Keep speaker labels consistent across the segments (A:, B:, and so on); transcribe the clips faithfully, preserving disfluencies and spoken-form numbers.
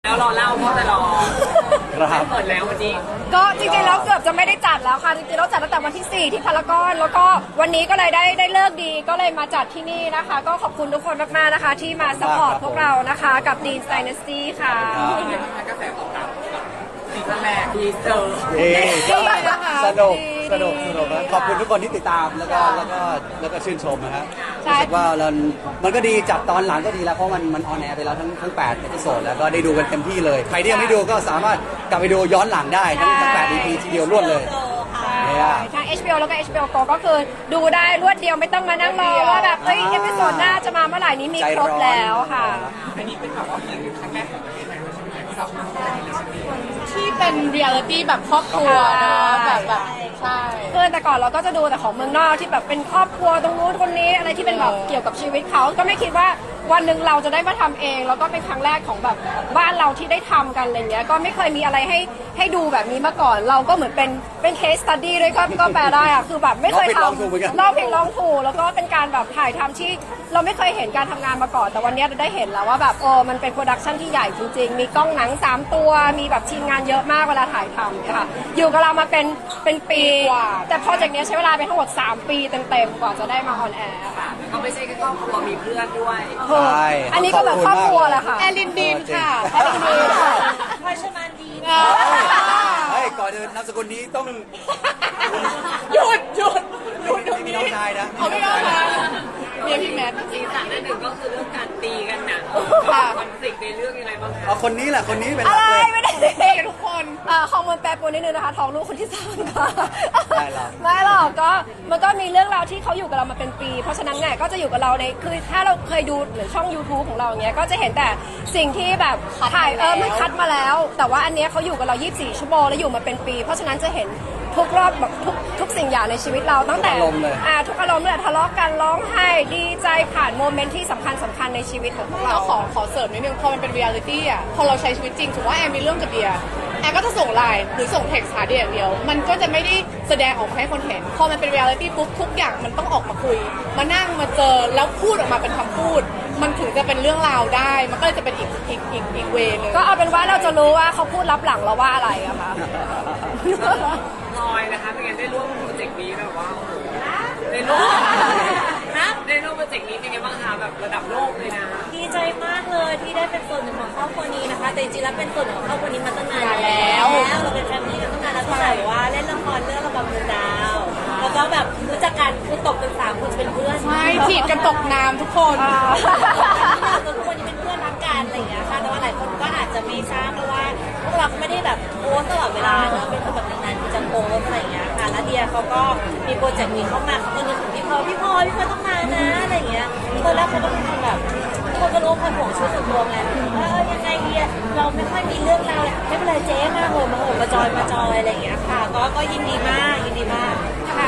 A: แล้วรอเล่าเพราะแต่รอ
B: ครับ
A: เปิดแล้ววันนี้
C: ก็จริงๆแล้วเกือบจะไม่ได้จัดแล้วค่ะจริงๆเราจัดตั้งแต่วันที่สี่ที่พารากอนแล้วก็วันนี้ก็เลยได้ได้เลิกดีก็เลยมาจัดที่นี่นะคะ ก็ขอบคุณทุกคนมากๆนะคะ ที่มาสปอร์ตพวกเรานะคะกับ Dean Dynasty ค่ะ
A: กระแสตอบรับซีซั่นแรกดีเซอร์
B: เอ๊ะ
C: ดีนะคะ
B: สนุก
C: ดี
B: สนุก
C: ดี
B: สนุกนะขอบคุณทุกคนที่ติดตามแล้วก็แล้วก็แล้วก็ชื่นชมนะฮะ
C: ใช่
B: รู้สึกว่าเรามันก็ดีจัดตอนหลังก็ดีแล้วเพราะมันมันออนแอร์ไปแล้วทั้งทั้งแปดเอพิโซดแล้วก็ได้ดูกันเต็มที่เลย ใครที่ยังไม่ดูก็สามารถกลับไปดูย้อนหลังได้ทั้งทั้งแปด อี พี ทีเดียวรวดเลยเนี่ย
C: ทั้ง เอช บี โอ แล้วก็ เอช บี โอ Go ก็คือดูได้รวดเดียวไม่ต้องมานั่งรอว่าแบบเอ้ยเอพิโซดหน้าจะมาเมื่อไหร่นี้มีครบแล้วค่ะ
A: อันนี้เป็นแบบว่าเหมือนครั้งแรกของประเทศไทยใช่ไหมสับ
D: ที่เป็นเรียลลิตี้แบบครอบครัวเนาะแบบแบบใช่
C: คือแต่ก่อนเราก็จะดูแต่ของเมืองนอกที่แบบเป็นครอบครัวตรงนู้นคนนี้อะไรที่เป็นแบบเกี่ยวกับชีวิตเขาก็ไม่คิดว่าวันหนึ่งเราจะได้มาทำเอง แล้วก็เป็นครั้งแรกของแบบบ้านเราที่ได้ทำกันอะไรเงี้ยก็ไม่เคยมีอะไรให้ให้ดูแบบนี้มาก่อน เราก็เหมือนเป็นเป็นเคสตัดดี้ด้วยก็ก็แปลได้อะคือแบบไม่เคยทำเราผิดลองถูกแล้วก็เป็นการแบบถ่ายทำที่เราไม่เคยเห็นการทำงานมาก่อน แต่วันนี้เราได้เห็นแล้วว่าแบบโอ้มันเป็นโปรดักชันที่ใหญ่จริงๆมีกล้องหนังสามตัวมีแบบทีมงานเยอะมากเวลาถ่ายทำค่ะอยู่กับเรามาเป็นเป็นปีแต่โปรเจกต์นี้ใช้เวลาไปทั้งหมดสามปีเต็มๆกว่าจะได้มาออนแอร์ค่ะ
A: ก็ไม่ใช่แค่ครอบครัวมีเพื่อนด้วย
B: ใช่
C: อันนี้ก็แบบครอบครัวแหละค่ะ
D: แอลินดินค่ะ
C: แอลินดินค่ะ
D: พลอยชมานดี
B: เฮ้ยก่อนอื่นนามสกุลนี้ต้อง
D: หยุดหยุดหยุดตรง
B: มี
D: นี้
B: น้องชายนะ
D: เขาไม่เอามาเมียพี่แมท
A: ซีซั่นหนึ่งก็คือเรื่องการตีกันน่ะ
D: ค่ะ
A: คอนฟ lict ในเรื่องยังไงบ้างคะ
B: เอาคนนี้แหละคนนี้เป็นห
C: อะ
B: ลัก
C: ไร
B: เลย
C: ไม่ได้
D: เด็กทุกคน
C: เอ่อฮอร์โมนแปรปรวนนิดนึงนะคะท้องลูกคนที่สามค่ะ
B: ไม่หรอก
C: ไม่หรอกก็มันก็มีเรื่องราวที่เขาอยู่กับเรามาเป็นปี เพราะฉะนั้นเนี่ยก็จะอยู่กับเราในคือถ้าเราเคยดูหรือช่อง YouTube ของเราอย่างเงี้ยก็จะเห็นแต่สิ่งที่แบบถ่ายเออมันคัดมาแล้ว แต่ว่าอันเนี้ยเขาอยู่กับเรายี่สิบสี่ชั่วโมงแล้วอยู่มาเป็นปี เพราะฉะนั้นจะเห็นทุกรอบแบบทุกทุกสิ่งอย่างในชีวิตเราตั้งแต่
B: ทุกอารมณ์เลย
C: อ่าทุกอารมณ์เลยทะเลาะกันร้องไห้ดีใจผ่านโมเมนต์ที่สำคัญสำคัญในชีวิตของพวกเรา
D: เราขอขอเสริมนิดนึงพอมันเป็นเรียลลิตี้อ่ะพอเราใช้ชีวิตจริงถือว่าแอมมีเรื่องกับเดียแอมก็จะส่งไลน์หรือส่งเท็กซ์หาเดียอย่างเดียว มันก็จะไม่ได้แสดงออกมาให้คนเห็น พอมันเป็นเรียลลิตี้ปุ๊บทุกอย่างมันต้องออกมาคุย มานั่งมาเจอแล้วพูดออกมาเป็นคำพูด มันถึงจะเป็นเรื่องราวได้ มันก็เลยจะเป็นอีกอีกอีกอีกเวนึง
C: ก็เอาเป็นว่าเราจะรู้ว่าเขาพูดรับหลังเราว่าอะไรอะค่ะ
A: ลอยนะคะเป็นไงได้ร่วมโปรเจกต์นี้แบบว่าโอ้โหได้ร่วมนะได้ร่วมโปรเจกต์นี้เป็นไงบ้างคะแบบระดับโลกเลยนะ
E: ดีใจมากเลยที่ได้เป็นส่วนหนึ่งของครอบครัวนี้นะคะ แต่จริงๆแล้วเป็นส่วนหนึ่งของครอบครัวนี้มาตั้งนานแล้วเราเป็นแฟมิลี่กันตั้งนานแล้วตั้งแต่ว่าเล่นละครเรื่องระบำดวงดาว แล้วก็แบบรู้จักกันคือตกกันสามคนจะเป็นเพื่อน
D: ใช่จีบกันตกน้ำทุกคน
E: จนทุกคนนี้เป็นเพื่อนรักกันอะไรอย่างเงี้ยค่ะแต่ว่าหลายคนก็อาจจะไม่ทราบเพราะว่าพวกเราก็ไม่ได้แบบโพสต์ตลอดเวลาเนอะเป็นคนแบบนานๆที่จะโพสต์อะไรอย่างเงี้ยค่ะแล้วเดียเขาก็มีโปรเจกต์นี้เข้ามาเขาก็นึกถึงพี่พลอยพี่พลอยพี่พลอยต้องมานะอะไรอย่างเงี้ยตอนแรกเขาก็เป็นคนแบบคนก็รู้คนห่วงชีวิตส่วนตัวไงว่าเออยังไงเดียเราไม่ค่อยมีเรื่องราวไม่เป็นไรเจ๊มาเหอะมาเหอะมาจอยมาจอยอะไรอย่างเงี้ยค่ะก็ก็ยินดีมากยินดีมากค่ะ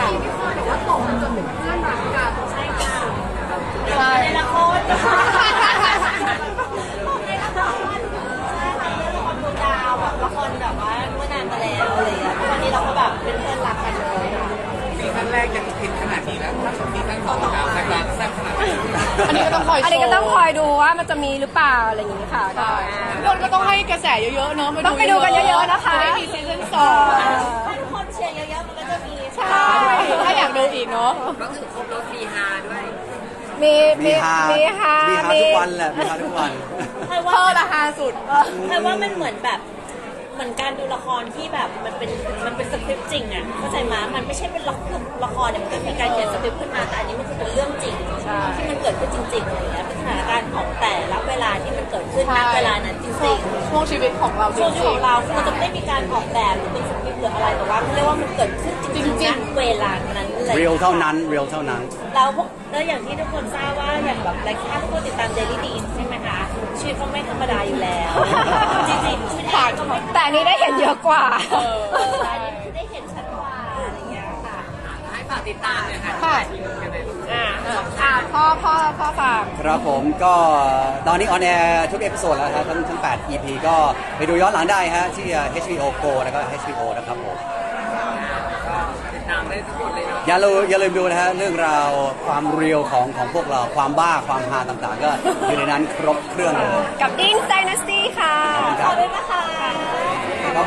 E: ใช่ค่ะ
D: ใช่
E: ในละครในละครใช่ค่ะเรื่องละครดวงดาวแบบละครแบบว่าเมื่อนานมาแล้วอะไรอย่างเงี้ยวันนี้เราก็แบบเป็นเพื่อนรักกันเลยค่ะ
A: ซีซั่นแรกยังผิดขนาดนี้แล้วถ้าซีซั่นสองจะแรงแซ่บขนาดนี้
D: อันนี้ก็ต้องคอยโชว์
C: อันนี้ก็ต้องคอยดูว่ามันจะมีหรือเปล่าอะไรอย่างนี้ค่ะก็
D: ทุกคนก็ต้องให้กระแสเยอะๆเนอะ
C: ต้องไปดูกันเยอะๆนะคะ
D: จได้มีซีซั่นสอง
E: ถ้าทุกคนเชียร์เยอะๆมันก็จะมี
D: ใช่ถ้าอยากดูอีกเนาะ
A: ก็คือครบรถมีฮาด้วย
C: มี
B: มีฮา
C: มีฮา
B: มีฮาทุกวันแหละมีฮาทุกวัน
E: ใครว่า
D: เธอละฮาสุด
E: ใครว่ามันเหมือนแบบเหมือนการดูละครที่แบบมันเป็นมันเป็นสคริปต์จริงอ่ะเข้าใจมามันไม่ใช่เป็นละครละครเนี่ยมันก็มีการเขียนสคริปต์ขึ้นมาแต่อันนี้มันคือเป็นเรื่องจริงที่มันเกิดขึ้นจริงๆอะไรอย่างเงี้ยเป็นสถานการณ์ของแต่ละเวลาที่มันเกิดขึ้นณเวลานั้นจริง
D: ช่วงชีวิตของเราจ
E: ๆช่วงชีวิต
D: ริ
E: ของ งเราคือมันจะไม่ได้มีการออกแบบหรือเป็นสคริปต์หรืออะไรแต่ว่าเขาเรียกว่ามันเกิดขึ้นจริงๆณเวลานั้นเลย
B: เรียวเท่านั้นเรียวเท่านั้น
E: แล้วพวกแล้วอย่างที่ทุกคนทราบว่าอย่างแบบรายการทุกคนติดตาม Daily Dean ใช่ไหมคะชีวิตเขาไม่ธรรมดาอยู่แล้ว จริงๆชีวิตผ่านก็ไม่
C: แต่อันนี้ได้เห็นเยอะกว่า
D: เออ
E: เอออันนี้คือได้เห็นชัดกว่าอะไรอย่างเงี้ยค่ะ
A: ให้ฝากติดตามเลยค่ะ
D: ค่ะ
C: อ่าอ่าพ่อพ่อพ่อฝาก
B: ครับผมก็ตอนนี้ออนแอร์ทุกเอพิโซดแล้วครับทั้งทั้งแปด อี พี ก็ไปดูย้อนหลังได้ฮะที่ เอช บี โอ Go แล้วก็ เอช บี โอ นะครับผม
A: ก็ติดตามได้ทุกคนเลยเนาะ
B: อย่าลืมอย่าลืมดูนะฮะเรื่องราวความเรียวของของพวกเราความบ้าความฮาต่างๆ ก็อยู่ในนั้นครบเครื่องเลย
C: กับ Dean Dynasty ค่ะ
B: ครับ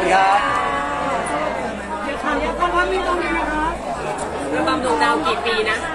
B: ครับ
A: ระบำดวงดาวกี่ปีนะ